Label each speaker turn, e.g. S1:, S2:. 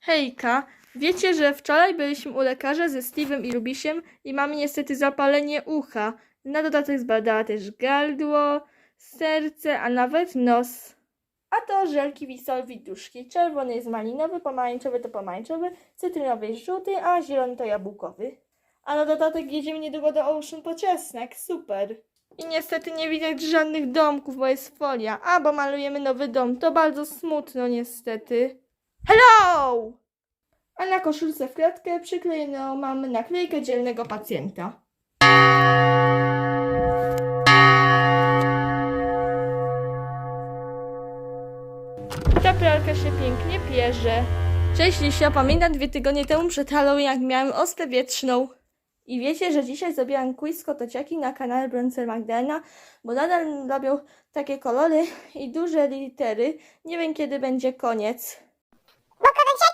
S1: Hejka, wiecie, że wczoraj byliśmy u lekarza ze Steve'em i Rubisiem i mamy niestety zapalenie ucha. Na dodatek zbadała też gardło, serce, a nawet nos. A to żelki Wisol Widuszki. Czerwony jest malinowy, pomarańczowy to pomarańczowy, cytrynowy jest żółty, a zielony to jabłkowy. A na dodatek jedziemy niedługo do Ocean po czesnek. Super. I niestety nie widać żadnych domków, bo jest folia. A, bo malujemy nowy dom. To bardzo smutno niestety. Hello! A na koszulce w kratkę przyklejoną mamy naklejkę dzielnego pacjenta. Ta pralka się pięknie pierze. Cześć Lisia, pamiętam 2 tygodnie temu przed Halloween, jak miałem ospę wietrzną. I wiecie, że dzisiaj zrobiłam quiz kotociaki na kanale Bronzer Magdalena, bo nadal robią takie kolory i duże litery. Nie wiem, kiedy będzie koniec.
S2: Bo kobiecie